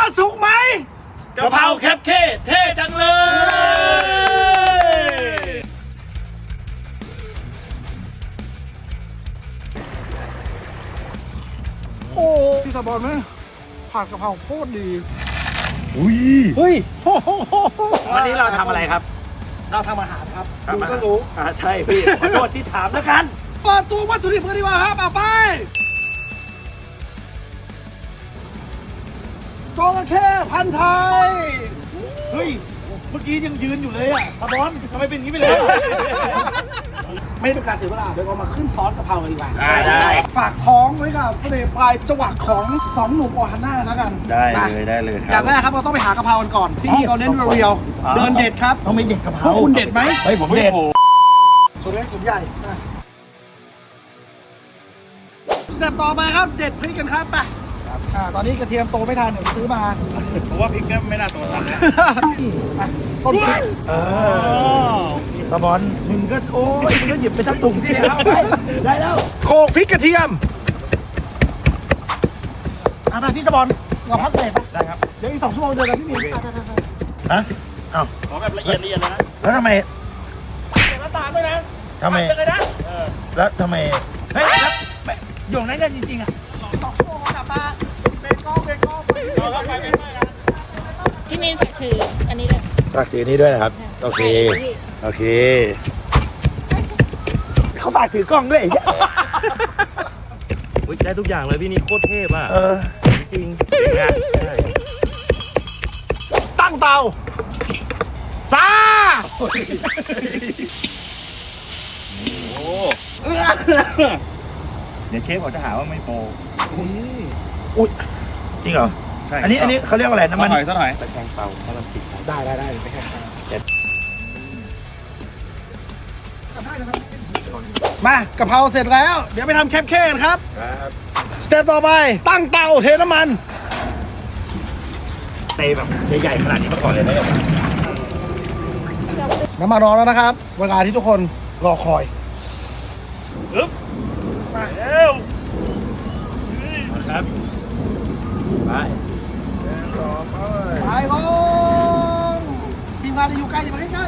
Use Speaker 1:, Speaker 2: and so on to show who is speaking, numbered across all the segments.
Speaker 1: สุกไหม
Speaker 2: กะเพราแคบเค้เท่จังเลย
Speaker 1: โอ้พี่สะบอนไหมผัดกะเพราโคตรดี
Speaker 2: อุ้ย
Speaker 1: เฮ้ย
Speaker 2: วันนี้เราทำอะไรครับ
Speaker 1: เราทำอาหารครับ
Speaker 2: ทำ
Speaker 1: ดู
Speaker 2: อาหาร
Speaker 1: ก็รู้
Speaker 2: ใช่พี่ขอโทษที่ถามแล้วกัน
Speaker 1: เปิดตัววัตถุดิบกันดีกว่าครับเอาไปจระเข้พันธุ์ไทย
Speaker 2: เฮ้ยเมื่อกี้ยังยืนอยู่เลยอ่ะสะบอนทำไมเป็นอย่างนี้ไปเลย
Speaker 1: ไม่เป็นการเสียเวลาเดี๋ยวเรามาขึ้นซอสกะเพรากันดีกว่า
Speaker 2: ได้
Speaker 1: ฝากท้องไว้กับเสน่ห์ปลายจังหวะของสองหนุ่มออฮันน่าแล้วกัน
Speaker 2: ได้เลยค
Speaker 1: อ
Speaker 2: รั
Speaker 1: ย่างแรกครับเราต้องไปหากะเพรากันก่อนที่นี่เขาเน้นเรียวๆเดินเด็ดครับ
Speaker 2: ต้องไม่เด็ดกะเพ
Speaker 1: พว
Speaker 2: ราก
Speaker 1: คุณเด็ดไหม
Speaker 2: เฮ้ยผมเด็ด
Speaker 1: ส่วนเล็กส่วนใหญ่นะสเต็ปต่อไปครับเด็ดพริกกันครับไปตอนนี้กระเทียมโตไม่ทันเดี๋ยวไปซื้อมา
Speaker 2: ผมว่าพริกก็ไม่น่าตัวทันนะ
Speaker 1: ต้นพริก
Speaker 2: สะบอนมึงก็โอ้ยมึงก็หยิบไปทั้งถุงที่แล้วไปได้แล้ว
Speaker 1: โขลกพริกกระเทียมไปพี่สบอลเราพักเบรกไป
Speaker 2: ได้ครับ
Speaker 1: เดี๋ยวอีก2 ชั่วโมงเจอกันพี่หมีไป
Speaker 2: ฮะเอ้า
Speaker 3: ขอแบบละเอียดเลยนะ
Speaker 2: แล้วทำไม
Speaker 3: เก็บน้ำตาลด้วยนะ
Speaker 2: ทำไม
Speaker 3: เลยนะ
Speaker 2: แล้วทำไมเฮ้ยแล้วอยู่นั้นกันจริงๆอ่ะ
Speaker 1: 2 ชั่วโมงกลับมาเบรกเบรก
Speaker 3: เราเข้าไปไม่ได้นะ
Speaker 4: พี่นินฝากถืออันนี้เลย
Speaker 2: ฝากสีนี้ด้วยนะครับโอเค
Speaker 4: ใช่พี่
Speaker 2: โอเคเขาฝากถือกล้องด้วย
Speaker 3: อุ๊ยได้ทุกอย่างเลยพี่นี่โคตรเทพอ่ะ
Speaker 2: จริง
Speaker 3: งาน
Speaker 1: ตั้งเตาซา
Speaker 3: เดี๋ยวเชฟเขาจะหาว่าไม่โปร
Speaker 2: อุ้ยจริงเหรอ
Speaker 3: ใช่
Speaker 2: อันนี้เขาเรียกว่าอะไรน้ำมัน
Speaker 3: สักหน่อย
Speaker 2: ตะแกรงเตาถ้ามันติด
Speaker 1: ได้ไปแค่มากะเพราเสร็จแล้ว เดี๋ยวไปทำแคปเค้กกันครับ
Speaker 2: ครับ
Speaker 1: สเต็ปต่อไปตั้งเตาเทน้ำมัน
Speaker 2: เตะแบบใหญ่ๆขนาดนี้มาก่อนเลยนะ
Speaker 1: น้ำมันร้อนแล้วนะครับ เวลาที่ทุกคนรอคอย
Speaker 3: ปึ๊บมาเร็ว
Speaker 2: ครับไป
Speaker 1: ไปลงทีมงานจะอยู่ใกล้อย่ามาใกล้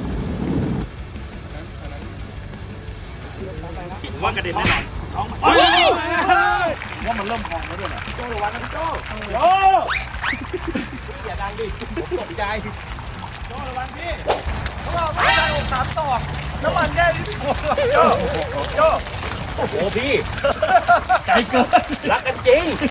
Speaker 3: ผมว่ากระเด็นแน่นอน
Speaker 4: เฮ้ย
Speaker 3: ว่ามันเริ่มพองแล้วด้วยนะโจ้ระวังนะโจ้โจ้อย่าดังดิผมตกใจโจ้ระวังพี่
Speaker 1: ๆพวกเราไม่ได้อก3 ตอกน้ำมันแค่นี้
Speaker 3: โจ้โจ้โอ้โหพี่ใจเกินรักกันจริง